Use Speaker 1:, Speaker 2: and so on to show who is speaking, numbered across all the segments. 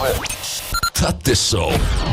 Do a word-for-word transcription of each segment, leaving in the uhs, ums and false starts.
Speaker 1: Та ти шо?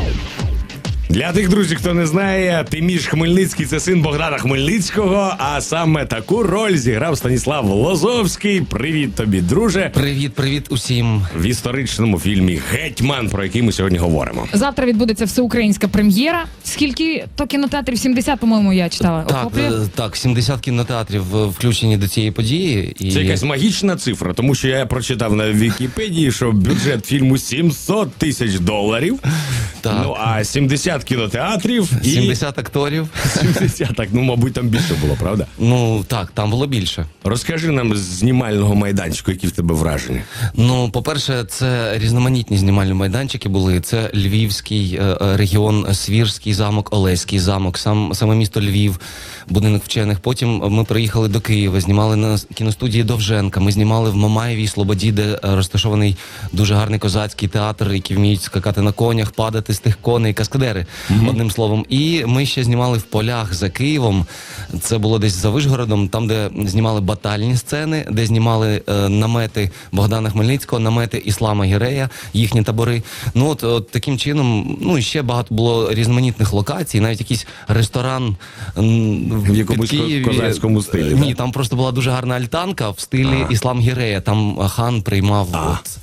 Speaker 2: Для тих, друзів, хто не знає, Тиміш Хмельницький – це син Богдана Хмельницького, а саме таку роль зіграв Станіслав Лозовський. Привіт тобі, друже.
Speaker 3: Привіт, привіт усім.
Speaker 2: В історичному фільмі «Гетьман», про який ми сьогодні говоримо.
Speaker 4: Завтра відбудеться всеукраїнська прем'єра. Скільки то кінотеатрів? сімдесят, по-моєму, я читала.
Speaker 3: Так, е, так, сімдесят кінотеатрів е, включені до цієї події. І...
Speaker 2: Це якась магічна цифра, тому що я прочитав на Вікіпедії, що бюджет фільму сімсот тисяч доларів.
Speaker 3: Так.
Speaker 2: Ну, а сімдесят кінотеатрів і...
Speaker 3: сімдесят акторів.
Speaker 2: сімдесят, так, ну, мабуть, там більше було, правда?
Speaker 3: Ну, так, там було більше.
Speaker 2: Розкажи нам з знімального майданчику, які в тебе враження.
Speaker 3: Ну, по-перше, це різноманітні знімальні майданчики були. Це Львівський е, регіон, Свірський замок, Олеський замок, сам, саме місто Львів, будинок вчених. Потім ми приїхали до Києва, знімали на кіностудії Довженка, ми знімали в Мамаєвій Слободі, де розташований дуже гарний козацький театр, які вміють скакати на конях, падати з тих коней, каскадери, mm-hmm. одним словом. І ми ще знімали в полях за Києвом, це було десь за Вишгородом, там, де знімали батальні сцени, де знімали е, намети Богдана Хмельницького, намети Іслама Гірея, їхні табори. Ну, от, от таким чином, ну, і ще багато було різноманітних локацій, навіть якийсь ресторан м,
Speaker 2: в якомусь
Speaker 3: Києві.
Speaker 2: козацькому стилі.
Speaker 3: Ні,
Speaker 2: так?
Speaker 3: там просто була дуже гарна альтанка в стилі
Speaker 2: Ага.
Speaker 3: Іслам Гірея, там хан приймав. От.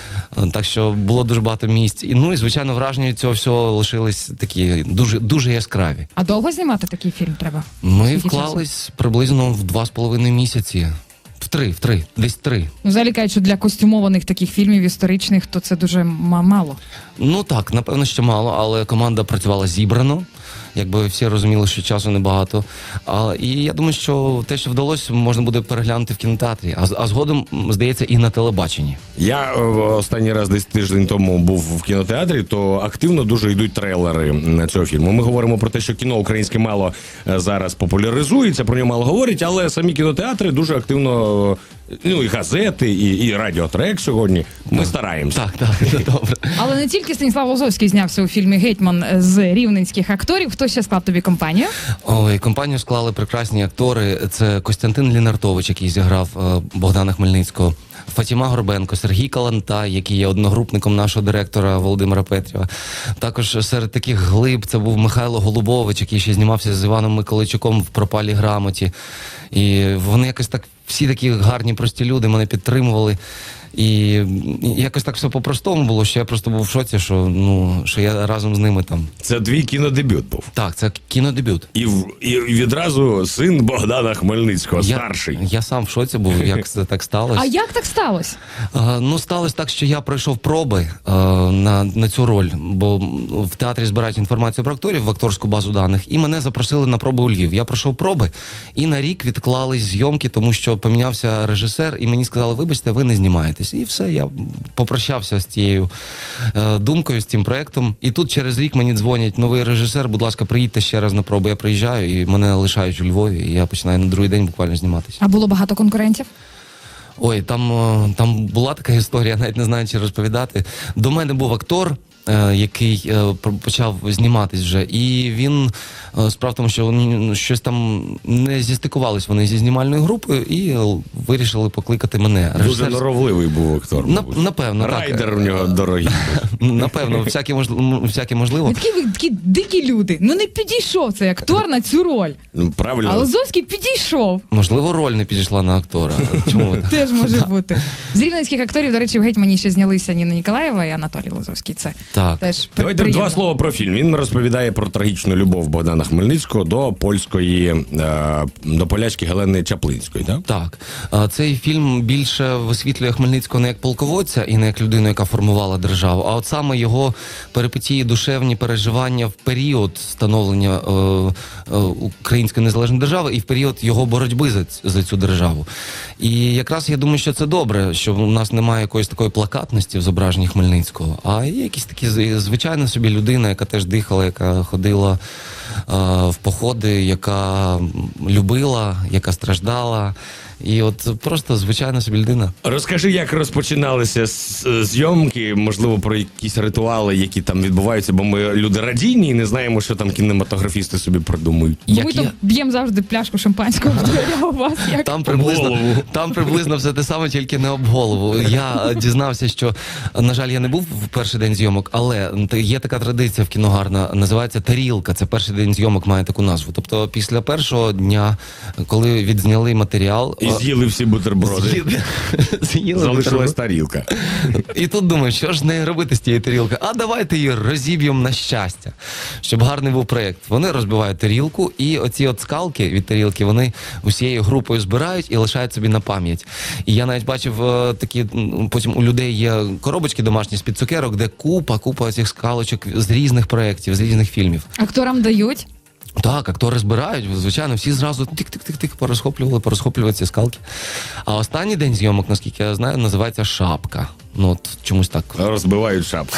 Speaker 3: Так що було дуже багато місць. І, ну і, звичайно, враження від цього всього лишились такі дуже, дуже яскраві.
Speaker 4: А довго знімати такий фільм треба?
Speaker 3: Ми
Speaker 4: Скільки
Speaker 3: вклались приблизно в два з половиною місяці. В три, в три, десь три.
Speaker 4: Ну, взагалі кажуть, що для костюмованих таких фільмів історичних, то це дуже м- мало.
Speaker 3: Ну так, напевно, що мало, але команда працювала зібрано. Якби всі розуміли, що часу небагато. А, і я думаю, що те, що вдалося, можна буде переглянути в кінотеатрі. А, а згодом, здається, і на телебаченні.
Speaker 2: Я е, останній раз десь тиждень тому був в кінотеатрі, то активно дуже йдуть трейлери на цього фільму. Ми говоримо про те, що кіно українське мало е, зараз популяризується, про нього мало говорять, але самі кінотеатри дуже активно, е, ну і газети, і, і радіотрек сьогодні. Ми
Speaker 3: так.
Speaker 2: стараємося.
Speaker 3: Так, так, це добре.
Speaker 4: Але не тільки Станіслав Лозовський знявся у фільмі «Гетьман» з рівненських акторів. Хто ще склав тобі компанію?
Speaker 3: Ой, компанію склали прекрасні актори. Це Костянтин Лінартович, який зіграв е, Богдана Хмельницького, Фатіма Горбенко, Сергій Калантай, який є одногрупником нашого директора Володимира Петрєва. Також серед таких глиб це був Михайло Голубович, який ще знімався з Іваном Миколайчуком в «Пропалій грамоті». І вони якось так, всі такі гарні, прості люди мене підтримували. І якось так все по-простому було, що я просто був в шоці, що, ну, що я разом з ними там.
Speaker 2: Це твій кінодебют був.
Speaker 3: Так, це кінодебют.
Speaker 2: І, в, і відразу син Богдана Хмельницького,
Speaker 3: Я,
Speaker 2: старший.
Speaker 3: я сам в шоці був, як це так сталося.
Speaker 4: А як так сталося?
Speaker 3: А, ну, сталося так, що я пройшов проби а, на, на цю роль, бо в театрі збирають інформацію про акторів в акторську базу даних, і мене запросили на проби у Львів. Я пройшов проби, і на рік відклались зйомки, тому що помінявся режисер, і мені сказали, вибачте, ви не знімаєтесь. І все, я попрощався з тією е, думкою, з цим проєктом. І тут через рік мені дзвонять, новий режисер, будь ласка, приїдьте ще раз на проби. Я приїжджаю, і мене лишають у Львові, і я починаю на другий день буквально зніматися.
Speaker 4: А було багато конкурентів?
Speaker 3: Ой, там, е, там була така історія, навіть не знаю, чи розповідати. До мене був актор, е, який е, почав зніматись вже, і він, е, справа в тому, що вони щось там не зістикувались вони зі знімальною групою, і вирішили покликати мене.
Speaker 2: Дуже
Speaker 3: Режисер...
Speaker 2: норовливий був актор.
Speaker 3: На,
Speaker 2: мабуть.
Speaker 3: напевно,
Speaker 2: Райдер
Speaker 3: так.
Speaker 2: у нього дорогий.
Speaker 3: Напевно, всяке, можливо, всяке можливо.
Speaker 4: Ви такі, ви такі дикі люди. Ну не підійшов цей актор на цю роль.
Speaker 2: Ну, правильно.
Speaker 4: А Лозовський підійшов.
Speaker 3: Можливо, роль не підійшла на актора. Чому?
Speaker 4: Теж може бути. З рівненських акторів, до речі, в «Гетьмані» ще знялися Ніна Ніколаєва і Анатолій Лозовський. Це
Speaker 3: Так.
Speaker 4: теж при-
Speaker 2: Давайте
Speaker 4: приємно.
Speaker 2: два слова про фільм. Він розповідає про трагічну любов Богдана Хмельницького до польської, е, до полячки Гелени Чаплинської, так?
Speaker 3: Так. А, Цей фільм більше висвітлює Хмельницького не як полководця і не як людину, яка формувала державу, а от саме його перипетії, душевні переживання в період становлення е, е, української незалежної держави і в період його боротьби за, за цю державу. І якраз я думаю, що це добре, що в нас немає якоїсь такої плакатності в зображенні Хмельницького, а є якісь такі звичайна собі людина, яка теж дихала, яка ходила е, в походи, яка любила, яка страждала, І от просто звичайна собі людина.
Speaker 2: Розкажи, як розпочиналися з- зйомки, можливо, про якісь ритуали, які там відбуваються, бо ми люди радійні і не знаємо, що там кінематографісти собі придумують.
Speaker 4: Бо
Speaker 3: Як
Speaker 4: ми
Speaker 3: я-
Speaker 4: тут б'ємо завжди пляшку шампанського в двері, а у вас як?
Speaker 3: Там приблизно,
Speaker 2: голову.
Speaker 3: там приблизно все те саме, тільки не об голову. Я е, дізнався, що, на жаль, я не був в перший день зйомок, але т- є така традиція в кіно гарна, називається тарілка. Це перший день зйомок має таку назву. Тобто після першого дня, коли відзняли матеріал,
Speaker 2: І
Speaker 3: е,
Speaker 2: з'їли всі бутерброди.
Speaker 3: з'їли- з'їли
Speaker 2: Залишилась
Speaker 3: бутерброд.
Speaker 2: тарілка.
Speaker 3: І тут думаю, що ж не робити з тієї тарілки? А давайте її розіб'ємо на щастя, щоб гарний був проєкт. Вони розбивають тарілку, і оці от скалки від тарілки, вони усією групою збирають і лишають собі на пам'ять. І я навіть бачив е, такі, м, потім у людей є коробочки домашні з-під цукерок, де купа, купа цих скалочок з різних проєктів, з різних фільмів.
Speaker 4: Акторам дають?
Speaker 3: Так, актори збирають, звичайно, всі зразу тик-тик-тик-тик порозхоплювали, порозхоплювали ці скалки. А останній день зйомок, наскільки я знаю, називається шапка. Ну, от чомусь так.
Speaker 2: Розбивають шапку.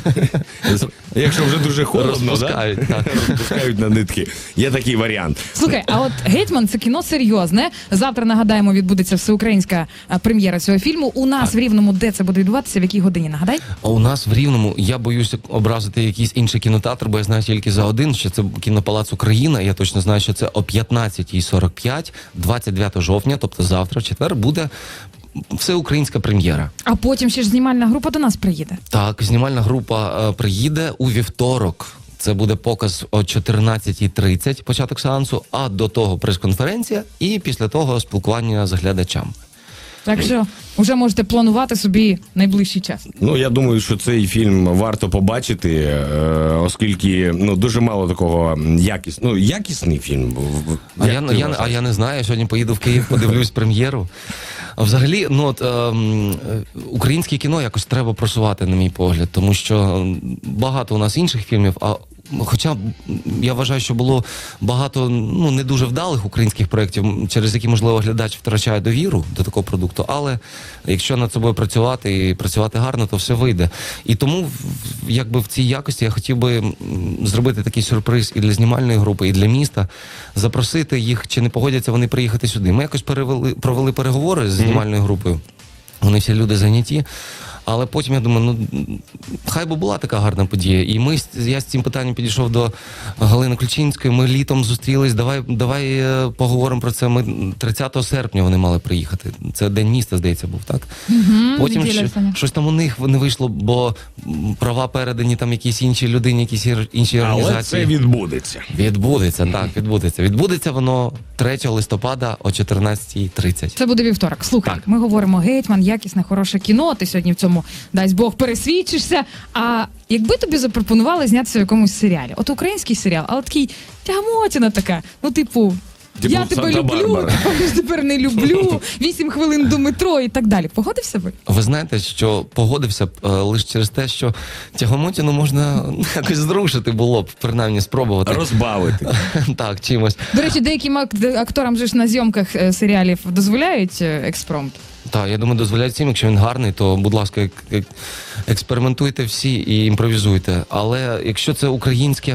Speaker 2: Якщо вже дуже холодно,
Speaker 3: Розпускають,
Speaker 2: да?
Speaker 3: так.
Speaker 2: розпускають на нитки. Є такий варіант.
Speaker 4: Слухай, а от «Гетьман» — це кіно серйозне. Завтра, нагадаємо, відбудеться всеукраїнська а, прем'єра цього фільму. У нас в Рівному, де це буде відбуватися, в якій годині, нагадай?
Speaker 3: А у нас в Рівному, я боюся образити якийсь інший кінотеатр, бо я знаю тільки за один, що це кінопалац Україна. Я точно знаю, що це о п'ятнадцятій сорок п'ять, двадцять дев'ятого жовтня, тобто завтра, в четвер, буде всеукраїнська прем'єра.
Speaker 4: А потім ще ж знімальна група до нас приїде.
Speaker 3: Так, знімальна група е, приїде у вівторок. Це буде показ о чотирнадцятій тридцять, початок сеансу, а до того прес-конференція і після того спілкування з глядачами.
Speaker 4: Так що вже можете планувати собі найближчий час.
Speaker 2: Ну, я думаю, що цей фільм варто побачити, е, оскільки ну, дуже мало такого якіс... ну, якісний фільм. В-
Speaker 3: А
Speaker 2: як
Speaker 3: я,
Speaker 2: ти
Speaker 3: я, а
Speaker 2: вважаєш?
Speaker 3: я не знаю, я сьогодні поїду в Київ, подивлюсь прем'єру. А взагалі, ну от ем, е, українське кіно якось треба просувати, на мій погляд, тому що м, багато у нас інших фільмів, а хоча я вважаю, що було багато ну не дуже вдалих українських проєктів, м, через які, можливо, глядач втрачає довіру до такого продукту, але якщо над собою працювати і працювати гарно, то все вийде. І тому, в- якби в цій якості я хотів би м, зробити такий сюрприз і для знімальної групи, і для міста, запросити їх, чи не погодяться вони приїхати сюди. Ми якось перевели, провели переговори з знімальною групою. Вони всі люди зайняті. Але потім я думаю, ну хай би була така гарна подія. І ми з- я з цим питанням підійшов до Галини Ключинської. Ми літом зустрілись. Давай, давай е, поговоримо про це. Ми тридцятого серпня вони мали приїхати. Це день міста, здається, був, так? Потім
Speaker 4: неділя
Speaker 3: що-
Speaker 4: остання.
Speaker 3: щось там у них не вийшло, бо м, права передані там якійсь іншій людині, якісь ір- інші
Speaker 2: Але
Speaker 3: організації.
Speaker 2: це відбудеться.
Speaker 3: Відбудеться, так, відбудеться. Відбудеться воно третього листопада о чотирнадцятій тридцять.
Speaker 4: Це буде вівторок. Слухай,
Speaker 3: Так.
Speaker 4: ми говоримо «Гетьман», якісне, хороше кіно. Ти сьогодні в цьому, дасть Бог, пересвідчишся. А якби тобі запропонували знятися в якомусь серіалі? От український серіал, але такий тягмотіна така. Ну, типу,
Speaker 2: Типу
Speaker 4: я тебе люблю,
Speaker 2: «Санта-Барбара».
Speaker 4: а я ж тепер не люблю, вісім хвилин до метро і так далі. Погодився би?
Speaker 3: Ви знаєте, що погодився б е, лише через те, що Тягомотіну можна ну, якось зрушити було б, принаймні спробувати.
Speaker 2: Розбавити.
Speaker 3: Так, чимось.
Speaker 4: До речі, деяким ак- акторам же ж на зйомках е, серіалів дозволяють е, експромт.
Speaker 3: Так, я думаю, дозволяють всім, якщо він гарний, то, будь ласка, ек- ек- експериментуйте всі і імпровізуйте. Але якщо це українське,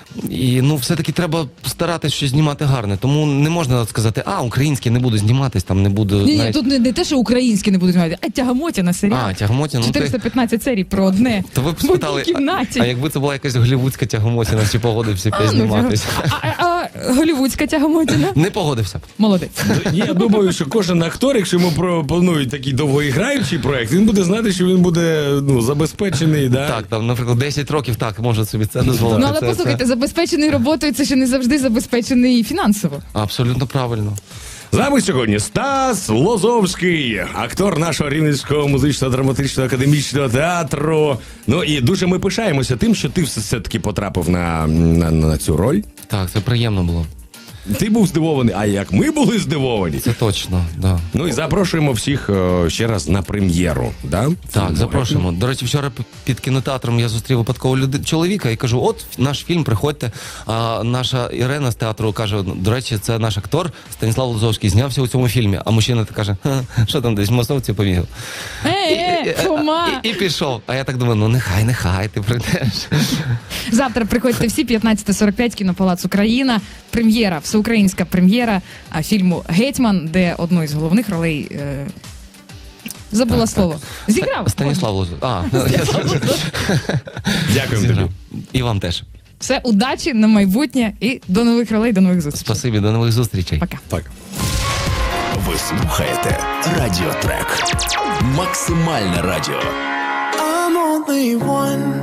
Speaker 3: і ну все-таки треба старатися щось знімати гарне. Тому не можна сказати, а, українське не буду зніматись, там не буду.
Speaker 4: Ні, ні,
Speaker 3: навіть-
Speaker 4: тут не, не те, що українські не будуть знімати, а тягомотіна серіал.
Speaker 3: А, Тягомотіна, ну ти...
Speaker 4: чотириста п'ятнадцять серій про одне.
Speaker 3: То ви б
Speaker 4: в одній
Speaker 3: спитали,
Speaker 4: кімнаті.
Speaker 3: а, а якби це була якась голівудська Тягомотіна, чи погодився б я
Speaker 4: А, ну,
Speaker 3: зніматись?
Speaker 4: А, а, а голівудська тягомотіна?
Speaker 3: Не погодився б.
Speaker 4: Молодець.
Speaker 2: Я думаю, що кожен актор, якщо йому пропонують такий довгоіграючий проект, він буде знати, що він буде ну, забезпечений. Да?
Speaker 3: Так, там, наприклад, десять років так може собі це дозволити.
Speaker 4: Ну, але
Speaker 3: Це-
Speaker 4: послухайте,
Speaker 3: це
Speaker 4: забезпечений роботою це ще не завжди забезпечений фінансово.
Speaker 3: абсолютно правильно.
Speaker 2: З нами сьогодні Стас Лозовський, актор нашого Рівненського музично-драматичного академічного театру. Ну і дуже ми пишаємося тим, що ти все-таки потрапив на, на, на цю роль.
Speaker 3: Так, це приємно було.
Speaker 2: Ти був здивований, а як ми були здивовані.
Speaker 3: Це точно, да.
Speaker 2: Ну і запрошуємо всіх е, ще раз на прем'єру. Да?
Speaker 3: Так, запрошуємо. До речі, вчора п- під кінотеатром я зустрів випадково люди... чоловіка і кажу, от наш фільм, приходьте. А наша Ірена з театру каже, до речі, це наш актор Станіслав Лозовський, знявся у цьому фільмі. А мужчина так каже, «Ха, що там десь в масовці побігав.
Speaker 4: Е, е, Фома!
Speaker 3: І, і пішов. А я так думаю, ну нехай, нехай, ти прийдеш.
Speaker 4: Завтра приходьте всі, п'ятнадцяте сорок п'ять, кінопалац Україна. Прем'єра в всеукраїнська прем'єра а, фільму «Гетьман», де одну із головних ролей е, забула
Speaker 3: Так,
Speaker 4: слово. Зіграв.
Speaker 3: Станіслав Лозу. А,
Speaker 2: Дякуємо тобі.
Speaker 3: І вам теж.
Speaker 4: Все, удачі на майбутнє і до нових ролей, до нових зустрічей.
Speaker 3: Спасибі, до нових зустрічей.
Speaker 4: Пока.
Speaker 2: Так.
Speaker 1: Ви слухаєте Радіотрек. Максимальне радіо.
Speaker 5: I'm only one